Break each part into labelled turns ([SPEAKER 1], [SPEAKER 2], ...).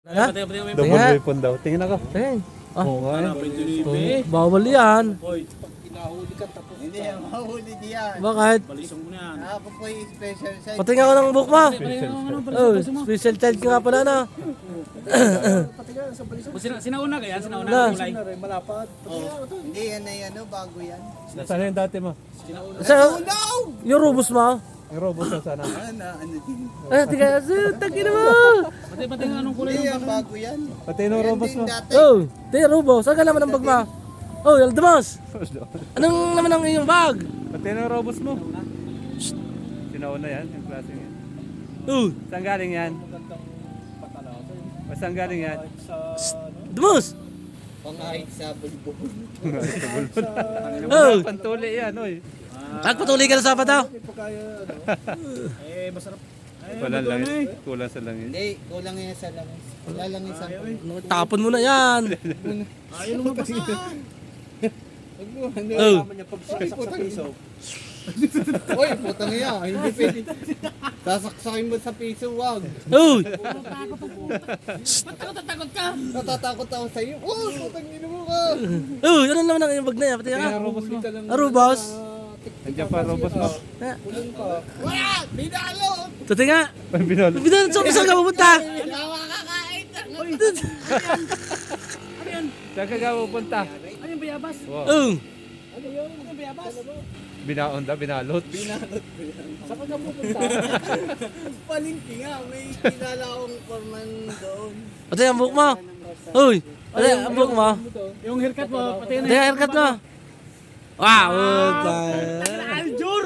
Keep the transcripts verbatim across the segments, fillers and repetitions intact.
[SPEAKER 1] Ha?
[SPEAKER 2] Double weapon daw. Tingin ako.
[SPEAKER 1] Eh. Ah,
[SPEAKER 2] Oo nga eh.
[SPEAKER 1] oh, bawal yan.
[SPEAKER 3] Hindi yan, mahuli diyan.
[SPEAKER 1] Bakit?
[SPEAKER 3] Ako po yung special size.
[SPEAKER 1] Patingin ako ng book mo. Oh, special child ka nga pala na.
[SPEAKER 4] Sina, sinauna kaya? Sinauna
[SPEAKER 1] Na.
[SPEAKER 4] ang kulay?
[SPEAKER 3] Hindi yan na yan, oh, bago yan.
[SPEAKER 2] Nasaan yung dati mo?
[SPEAKER 1] Sa,
[SPEAKER 3] No!
[SPEAKER 1] yung robust mo.
[SPEAKER 2] Yung robot na sana.
[SPEAKER 3] Ano, ano din.
[SPEAKER 1] Ah, tiga, tagin mo.
[SPEAKER 4] Pati pati nga anong kulay
[SPEAKER 3] Hindi
[SPEAKER 4] ng
[SPEAKER 3] yan, bago yan.
[SPEAKER 2] Pati yung
[SPEAKER 3] Yan
[SPEAKER 2] robot
[SPEAKER 3] din
[SPEAKER 2] mo.
[SPEAKER 3] dati.
[SPEAKER 1] Oh, tiga robust. Saan ka naman ang bag mo? Oh, Aldamas. Anong naman ang iyong bag?
[SPEAKER 2] Pati yung robot mo. Sinauna yan, yung klase yan.
[SPEAKER 1] Oh,
[SPEAKER 2] Saan galing yan? Saan galing yan?
[SPEAKER 1] Aldamas.
[SPEAKER 3] Pangahit sa bulbul.
[SPEAKER 1] Oh,
[SPEAKER 2] Pantuli yan, oy.
[SPEAKER 1] nagpatuloy ka na sa daw.
[SPEAKER 4] Eh, masarap.
[SPEAKER 2] Walang langis. Kulang sa langis.
[SPEAKER 3] Hindi, kulang yan sa langis. Wala lang yung sample.
[SPEAKER 1] Tapon mo na yan.
[SPEAKER 4] Ayaw lumabas na.
[SPEAKER 3] Huwag mo, ano
[SPEAKER 1] Oh.
[SPEAKER 3] Uy, putang ina. Uy, putang iya. Hindi pwede. Sasaksakin mo sa piso, wag.
[SPEAKER 1] Oh,
[SPEAKER 4] Takot ka.
[SPEAKER 3] Natatakot ako sa iyo. Oh, putang ina mo ka.
[SPEAKER 1] oh, ano naman ang iyong bag na yan? Pati
[SPEAKER 2] Yung
[SPEAKER 1] ka.
[SPEAKER 2] robot mo.
[SPEAKER 1] Arubas.
[SPEAKER 2] Nandiyan pa robot mo.
[SPEAKER 3] Wala! Binalo!
[SPEAKER 1] Tuti nga.
[SPEAKER 2] Binol.
[SPEAKER 1] Bidan, so saan ka pupunta?
[SPEAKER 3] Tawa ka kain!
[SPEAKER 2] Saan ka ka pupunta?
[SPEAKER 4] Ano yung bayabas?
[SPEAKER 2] Wow.
[SPEAKER 1] Oh,
[SPEAKER 4] Ano yun? Ano yung bayabas?
[SPEAKER 2] Binaon da, binalot.
[SPEAKER 4] Saan ka pupunta?
[SPEAKER 3] Palingki nga, may kilala akong foreman doon.
[SPEAKER 1] pati ang book mo. Uy, pati ang book mo.
[SPEAKER 4] Yung haircut mo, pati na
[SPEAKER 1] Pati ang haircut mo. Wow, tayo.
[SPEAKER 4] Aljur!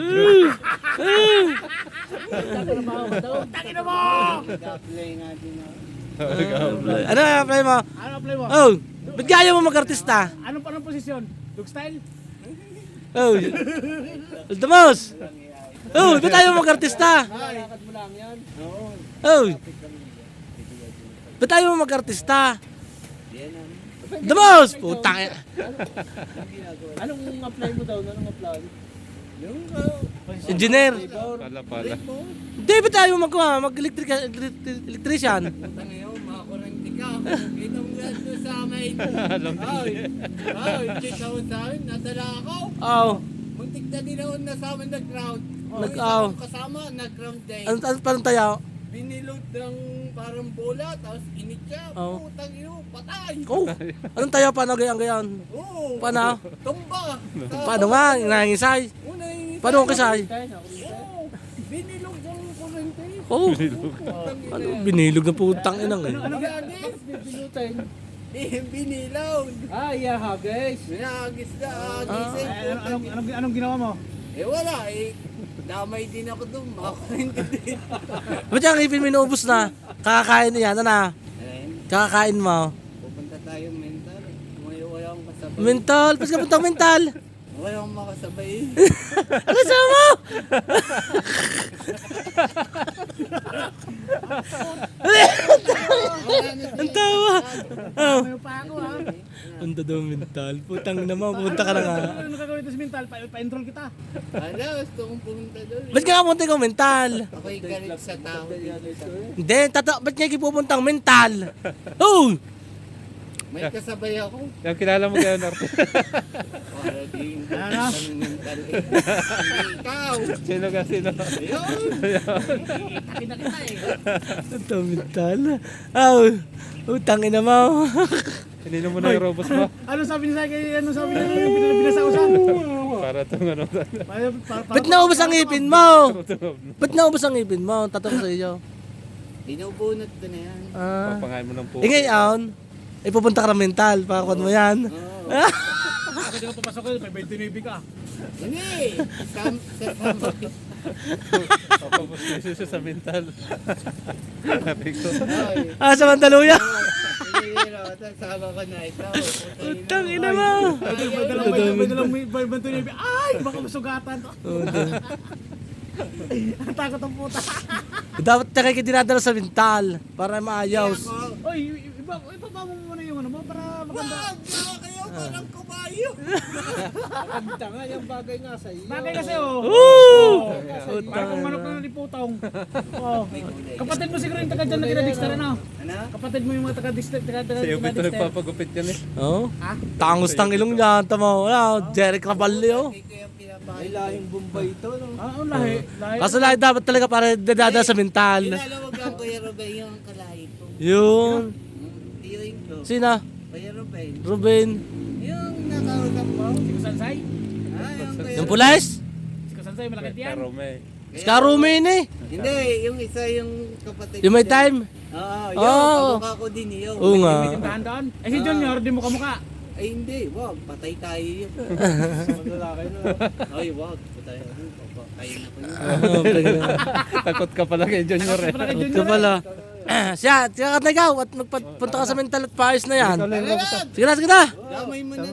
[SPEAKER 4] Tangin na mo!
[SPEAKER 3] Nag-apply nga din ako.
[SPEAKER 1] Ano ang apply mo?
[SPEAKER 4] Ano apply mo?
[SPEAKER 1] Oh, ba't kaya mo mag-artista?
[SPEAKER 4] Anong anong posisyon? Dog style?
[SPEAKER 1] Oh, Aldamos. Oh, ba't tayo mag-artista?
[SPEAKER 3] Lakad mo lang yan? Oo.
[SPEAKER 1] Oh, ba't tayo mag-artista? Aldamos! Putang ina.
[SPEAKER 4] Anong apply mo daw? Anong apply?
[SPEAKER 3] Yung, uh,
[SPEAKER 1] Engineer.
[SPEAKER 2] Pala pala.
[SPEAKER 1] Hindi, ba't tayo mag- mag-electric electrician?
[SPEAKER 3] putang iyo, makakurente ka. Kita mo yan doon sa amin.
[SPEAKER 2] Alam ko.
[SPEAKER 3] Ay, ay, kita mo sa amin, nadala ako.
[SPEAKER 1] Oh,
[SPEAKER 3] Muntik na din ako na sa amin nag-ground.
[SPEAKER 1] Nag-
[SPEAKER 3] Yung
[SPEAKER 1] aw.
[SPEAKER 3] isang kasama, nag-ground din.
[SPEAKER 1] ano ano parang tayo?
[SPEAKER 3] Binilot ng parang bola, tapos init siya.
[SPEAKER 1] Aw.
[SPEAKER 3] Putang iyo, patay.
[SPEAKER 1] Oh, anong tayo? Paano gayan gayan?
[SPEAKER 3] Oo.
[SPEAKER 1] Paano?
[SPEAKER 3] Tumba. Sa-
[SPEAKER 1] Paano nga? Nangisay?
[SPEAKER 3] Una yung
[SPEAKER 1] Paano ang kisay?
[SPEAKER 3] Oo. Binilog ng kurente.
[SPEAKER 1] Oh,
[SPEAKER 3] Putang ina.
[SPEAKER 1] ano binilog na putang inang eh.
[SPEAKER 3] Ano gagis? Bibilutin. Eh, binilog.
[SPEAKER 4] Ah, yeah, guys.
[SPEAKER 3] Binagis na,
[SPEAKER 1] Ah.
[SPEAKER 3] agising.
[SPEAKER 4] Anong, anong, anong, anong ginawa mo?
[SPEAKER 3] Eh wala eh. Damay din ako doon. Makakurente din.
[SPEAKER 1] Ba't yung ipin mo inuubos na? Kakakain na yan, ano?
[SPEAKER 3] Ayun.
[SPEAKER 1] Kakakain mo.
[SPEAKER 3] Pupunta tayo mental. May wala akong kasabay.
[SPEAKER 1] Mental, pas ka puntang mental.
[SPEAKER 3] Wala akong makasabay.
[SPEAKER 1] Ano sa mo? Ang tawa. Oh.
[SPEAKER 4] Ano pa ako ha?
[SPEAKER 1] Punta daw mental. Putang ina mo, punta ka na nga.
[SPEAKER 4] Ano gagawin ito sa mental? Pa- Pa-enroll kita.
[SPEAKER 3] Ala, gusto kong pumunta doon.
[SPEAKER 1] Ba't ka pumunta ko mental?
[SPEAKER 3] Ako'y galit sa tao.
[SPEAKER 1] Hindi, tata, ba't niya ipupuntang mental? Oh!
[SPEAKER 3] May kasabay ako.
[SPEAKER 2] Yung kilala mo kayo, Norte.
[SPEAKER 3] Para din.
[SPEAKER 4] Ano?
[SPEAKER 3] Ang mental eh. Hindi ikaw.
[SPEAKER 2] Sino ka, sino?
[SPEAKER 3] Ayun.
[SPEAKER 4] Kita kita eh.
[SPEAKER 1] Ito mental. Oh, utang ina mo.
[SPEAKER 2] Hinino mo na yung robot mo.
[SPEAKER 4] Ano sabi niya sa akin? Ano sabi niya? Yung bin- binasa ko siya?
[SPEAKER 2] Para itong ano.
[SPEAKER 4] Para- para- para-
[SPEAKER 1] Ba't naubos ang ipin mo? Ba't naubos ang ipin mo? Tatanong sa iyo.
[SPEAKER 3] Binubunot ko na yan.
[SPEAKER 1] Ah.
[SPEAKER 2] Papangain mo ng po.
[SPEAKER 1] Eh ngayon, eh pupunta ka ng mental. Pakakuan mo yan.
[SPEAKER 3] Oo.
[SPEAKER 4] Ako di ko papasok ko. May twenty-nine ka.
[SPEAKER 3] Hindi. Sam, sa samay.
[SPEAKER 2] Papapos siya sa mental. Sabi ko.
[SPEAKER 3] Ay.
[SPEAKER 1] Ah, sa Mandaluya.
[SPEAKER 3] Hindi, hindi. Sama ko na ito.
[SPEAKER 1] Utang ina mo.
[SPEAKER 4] May dalang may may dalang may may twenty-nine. Ay! Baka masugatan. Ang takot ang puta.
[SPEAKER 1] Dapat na kayo dinadala sa mental para maayos.
[SPEAKER 3] Ako.
[SPEAKER 4] Oy, iba, iba mo muna yung ano mo para maganda.
[SPEAKER 3] Wag! Wag kayo! parang kabayo.
[SPEAKER 4] Kanta nga, yung bagay nga sa iyo.
[SPEAKER 5] Bagay kasi oh.
[SPEAKER 1] Woo!
[SPEAKER 5] Parang kung manok na naliputong. Oh. Kapatid mo siguro yung taga dyan na kinadixter ano?
[SPEAKER 3] Ano?
[SPEAKER 5] Kapatid mo yung mga taga-dixter, taga-dixter.
[SPEAKER 2] Si Upit na nagpapagupit yan eh.
[SPEAKER 1] Oh. Tangos ng ilong niya, tama. Wala, Jeric Raballi, oh.
[SPEAKER 3] Ay, lahing Bombay ito, no?
[SPEAKER 5] Ah, oh, lahi. Lahi.
[SPEAKER 1] Kaso lahat dapat talaga para dadada sa mental.
[SPEAKER 3] Kilala mo ba Kuya Ruben yung kalahi ko?
[SPEAKER 1] Yun.
[SPEAKER 3] Tiyoin ko.
[SPEAKER 1] Sina?
[SPEAKER 3] Kuya Ruben.
[SPEAKER 1] Ruben.
[SPEAKER 3] Yung nakausap mo?
[SPEAKER 5] Si Kusansay?
[SPEAKER 3] Ah, yung Kuya
[SPEAKER 1] Yung pulis?
[SPEAKER 5] Si Kusansay, malaki yan.
[SPEAKER 2] Karome.
[SPEAKER 1] Skarumin eh.
[SPEAKER 3] Hindi, yung isa yung kapatid.
[SPEAKER 1] Yung may
[SPEAKER 3] ko.
[SPEAKER 1] time.
[SPEAKER 3] Oo, yun.
[SPEAKER 1] Oo.
[SPEAKER 3] Kamukha ko din yun.
[SPEAKER 1] Oo nga.
[SPEAKER 5] May tindahan doon. Eh si Junior, di mo kamukha.
[SPEAKER 3] Ay, hindi. Wag. Patay tayo yun.
[SPEAKER 4] Lalaki na.
[SPEAKER 3] Ay, wag. Patay. Patay na ko yun.
[SPEAKER 2] Takot ka pala kay Junior eh.
[SPEAKER 5] Malaki
[SPEAKER 1] Ito
[SPEAKER 5] Junior.
[SPEAKER 1] pala. Siya, tiyakat na ikaw at magpunta ka sa mental at paayos na yan. Sige na, sige na.
[SPEAKER 3] Damay mo na